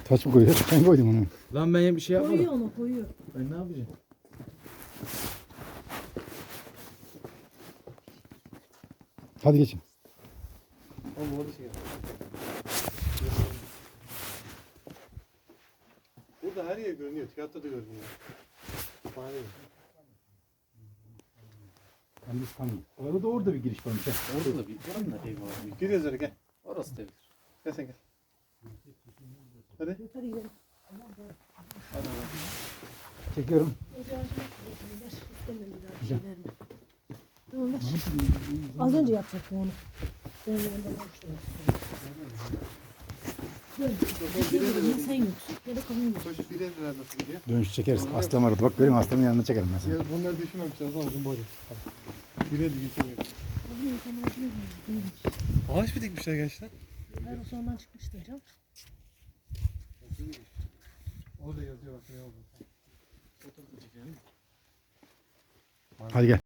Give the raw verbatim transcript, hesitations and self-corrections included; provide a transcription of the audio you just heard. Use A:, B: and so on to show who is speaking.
A: Taş mı koyuyor? Ben koydum onu.
B: Lan ben bir şey yapmadım.
C: Koyuyor onu koyuyor.
B: Ben ne yapacağım?
A: Hadi geçin.
D: Oğlum orada şey. Burada her yer görünüyor. Tiyatroda görünüyor. Fare.
A: Ben biz tanıyım. Orada da orada bir giriş varmış. ha.
B: Orada da bir buranın da evi var.
D: Giriyoruz öyle gel.
B: Orası da evdir.
D: Gel sen gel. Hadi.
C: Hadi gidelim.
A: Çekiyorum.
C: Ocağı açmak istiyorum. Ver. İstemem bir daha bir şey verme. Tamam ver. Az önce yapacaktım onu. Ben yanında boştum. Böyle. Ya sen yoksun ya da kadın yok.
D: Koş bir evler nasıl gidiyor?
A: Dönüş çekeriz. Aslan vardı. Bak göreyim aslanın yanına çekerim ben seni.
D: Ya bunları düşünmemişler ama uzun boylu. Bir evde geçemiyor.
C: Kadın insanlar acıyor mu?
D: Ağaç mı dikmişler gençler?
C: Her o sondan çıkmıştı hocam.
D: Orada yazıyor bak ne oldu.
A: Hadi gel.